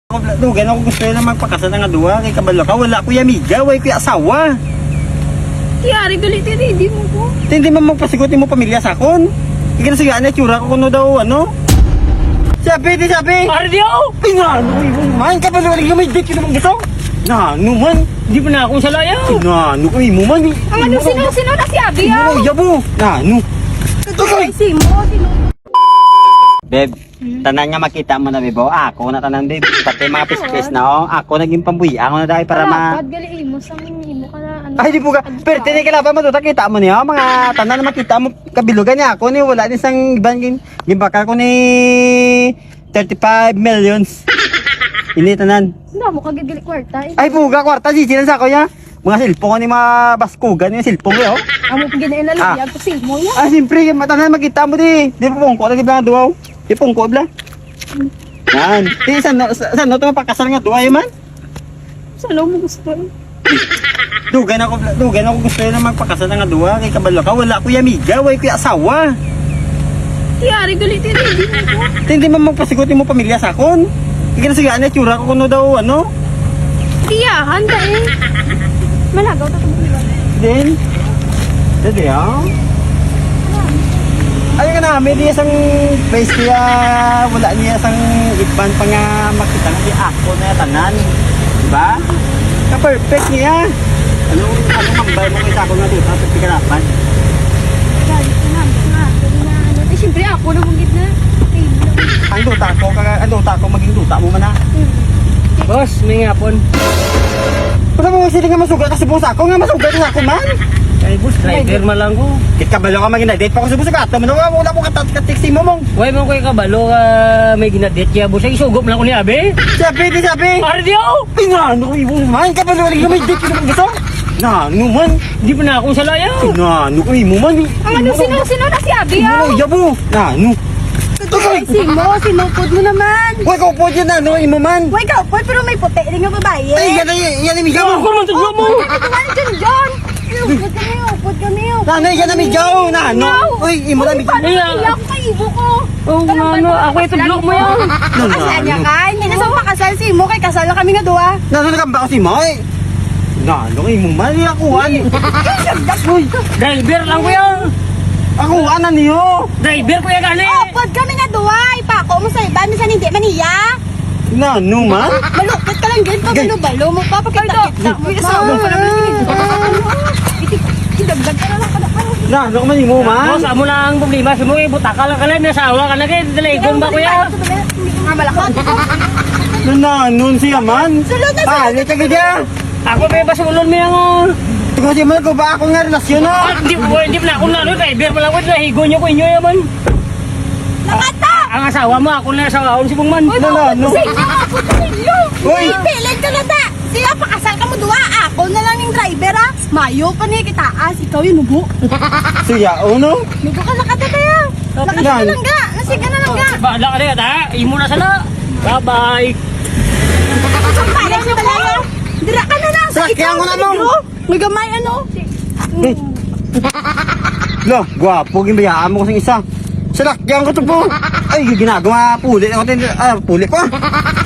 Dugan ako gusto na magpakasal nga duwa kay kabalo ka. Wala ko amiga, way ko asawa. Tiyari galit hindi mo ko. Hindi man magpasigutin mo pamilya sa akon. Ika na sige, tsura ko kuno daw, ano? Sabi. Ardio! Ay nga, man, kabalo ka may date ka naman gusto. Na, man. Hindi pa na akong salayaw. Na, mo man. Ang ano, sino na si Abi, ah? Yabo. Na, Ay, sino? Beb, tanan nga makita mo na, bebo. Ako na tanan, beb. Pati mga pispis na, oh. Ako naging pambuya. Ako na dahil para Dapat gali mo sa imo ka na ano. Ay, di po ka. Pero tinig ka lang pa matuta. Kita mo niya. Mga tanan na makita mo. Kabilugan niya ako ni. Wala din sang ibang gimbakal ko ni 35 millions. Ini tanan. Hindi mo kagigali kwarta. Ay, puga. Kwarta. Sisinan sa ako niya. Mga silpong ko ni mga baskugan. Yung silpong ko, oh. Amo paginain na lang. Kasi mo yan. Ah, siyempre. Tanan makita mo di. Di po pungko. Di ba nga duwaw? Di pungko, bla. Yan. Di, saan no ito mapakasal nga duwaw, man? Saan mo gusto? Dugan ako gusto na magpakasal nga duwa kay kabalo ka. Wala ko amiga, way ko asawa. Tiyari galit hindi mo ko. Hindi man magpasigutin mo pamilya sa akon. Ika na sige, tsura ko kuno daw, ano? Tiya, handa eh. Malagaw ta mo diba? Then, dede ah. Ay ka na, may di isang place kaya wala niya isang iban pa nga makita nga di ako na tanan. Diba? Ka-perfect niya. Anong mambay mo kay ako nga dito sa pikarapan? Galit na. Eh, siyempre ako na bungit na. Ang duta ko maging duta mo man ha. Boss, may ngapon. Kung mo sila nga masugat kasi busa ako nga masugat na ako man. Ay, boss, driver man lang ko. Kit kabalo ka maging na-date pa ko sa busa ka. Wala ko katik-tiksi mo mong. Huwag mo ko'y kabalo may ginadate kaya boss. Ay, isugop lang ko ni Abe. Sabi. Ardio! Ay nga, ano ko man. Kabalo ka may date ka naman gusto. Na, ano man. Hindi pa na akong salayaw. Na, ano ko man. Ang ano, sino na si Abi, ah? Yabo. Na, ano. Ay, sinupod mo naman. Huwag ko po dyan na, ano, imo man. Huwag ka, pero may puti rin nga babae. Ay, yan amigaw. Ako naman tudlo mo. Ito nga dyan, John. Upod kami. Nanay, yan amigaw. Na, ano. Uy, imo na amigaw. Iyak ko kay ibo ko. Oo nga, ano, ako itudlo mo yan. Kasal niya ka? Hindi na sa pakasal si Imo, kay kasal na kami nga duwa. Nananagamba ko si Moy. Na, ano, imo man. Akuhan. Driver lang ko yan. Akuhan na niyo. Driver ko yan gani. Upod kami nga duwa. Ipako mo sa iba, minsan hindi maniya. Na, ano man. Malupit ka lang din, pabalo-balo mo pa, pakita-kita mo. Kasama pa naman idagdag ka na lang kada araw. Na, ano man imo man. Boss, amo lang ang problema. Si mo, butaka lang ka lang. Nasawa ka na kayo. Dalagon ba ko yan? Nga malakot. Na, nun siya man. Sulod na Palit ka gaya. Ako may basulon mo yan. Kasi man ko ba ako nga relasyon no? Hindi pa na ako na. Driver pa lang ko. Nahigo nyo ko inyo yaman. nakata! Ang asawa mo, ako na asawa si Bungman. Uy, ano? sa inyo, ako sa inyo! Uy! Pilit ka na ta! Sila, pakasal ka mo duwa! Ako na lang yung driver ha! Mayo pa ni kitaas, ikaw yung nubo! Siya, no? Nubo ka nakata kaya! Nakata ka lang ga! Nasig ka na lang ga! Bahala ka na yan, ha? Imo na sala. Bye-bye. Sampaya siya talaga! Dira ka na lang! Sakyan ko na mo! May gamay ano? Lo, gwapo, ginbayaan mo kasing isa. Salakyan ko to po. Ay, ginagawa, puli ako. Puli ko.